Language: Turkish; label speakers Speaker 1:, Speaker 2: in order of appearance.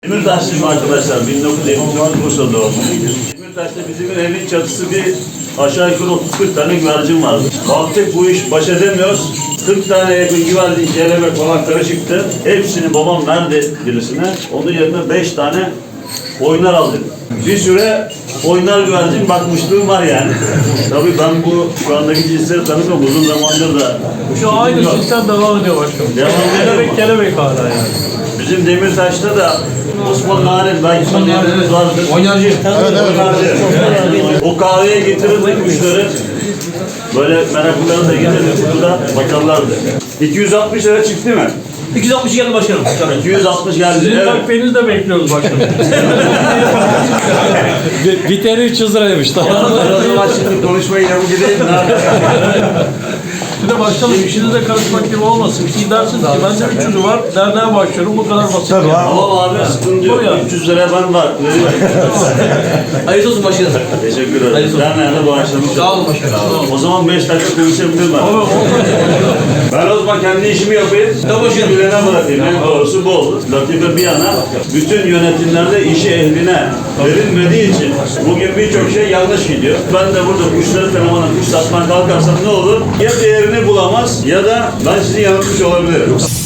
Speaker 1: Demirtaşlıyım arkadaşlar, 1979 Bursa doğumluyum. Demirtaş'ta bizim evin çatısı bir aşağı yukarı 30-40 tane güvercin vardı. Baktık bu iş baş edemiyoruz. 40 tane yakın güvercin, kelebek falan karışıktı. Hepsini babam verdi birisine. Onun yerine 5 tane oynar aldık. Bir süre oynar güvercin bakmışlığım var yani. Tabii ben şu andaki cinsleri tanımıyorum. Uzun zamandır da.
Speaker 2: Şu aynı sistem devam ediyor başkanım. Kelebek hala yani.
Speaker 1: Bizim Demirtaş'ta da Osman Narin, belki tanıyanlarınız vardır.
Speaker 3: Oynarcı.
Speaker 1: O kahveye getirirdik kuşları. Böyle meraklıları da getirirdik, burada bakarlardı. 260 lira çıktı mı?
Speaker 3: 260 geldi başkanım.
Speaker 1: 260 geldi.
Speaker 2: Sizin
Speaker 1: Evet.
Speaker 2: takviyenizi de bekliyoruz başkanım.
Speaker 4: Biteri 300 liraymış. Tamam.
Speaker 1: O zaman şimdi konuşmayı yapıp gideyim.
Speaker 2: Bir de başkanım işinize karışmak gibi olmasın. Siz dersiniz ki bende 300'ü var, derneğe başlıyorum, bu kadar basit.
Speaker 3: Tabii abi.
Speaker 1: Tamam abi, sıkıntı yok. 300 liraya ben var.
Speaker 3: Hayırlı olsun başkanım.
Speaker 1: Teşekkür ederim. Derneğe bağışlamış.
Speaker 3: Sağ olun başkanım.
Speaker 1: O zaman 5 dakika konuşabilirim ben. Ben o zaman kendi işimi yapayım.
Speaker 3: Tamam başkanım.
Speaker 1: Bilene bırakayım. En doğrusu bu olur. Latife bir yana, bütün yönetimlerde işi ehline verilmediği için bugün birçok şey yanlış gidiyor. Ben de burada kuşları tanımana, kuş satmaya kalkarsam ne olur? Ya değerini bulamaz ya da ben sizi yanıltmış olabilirim.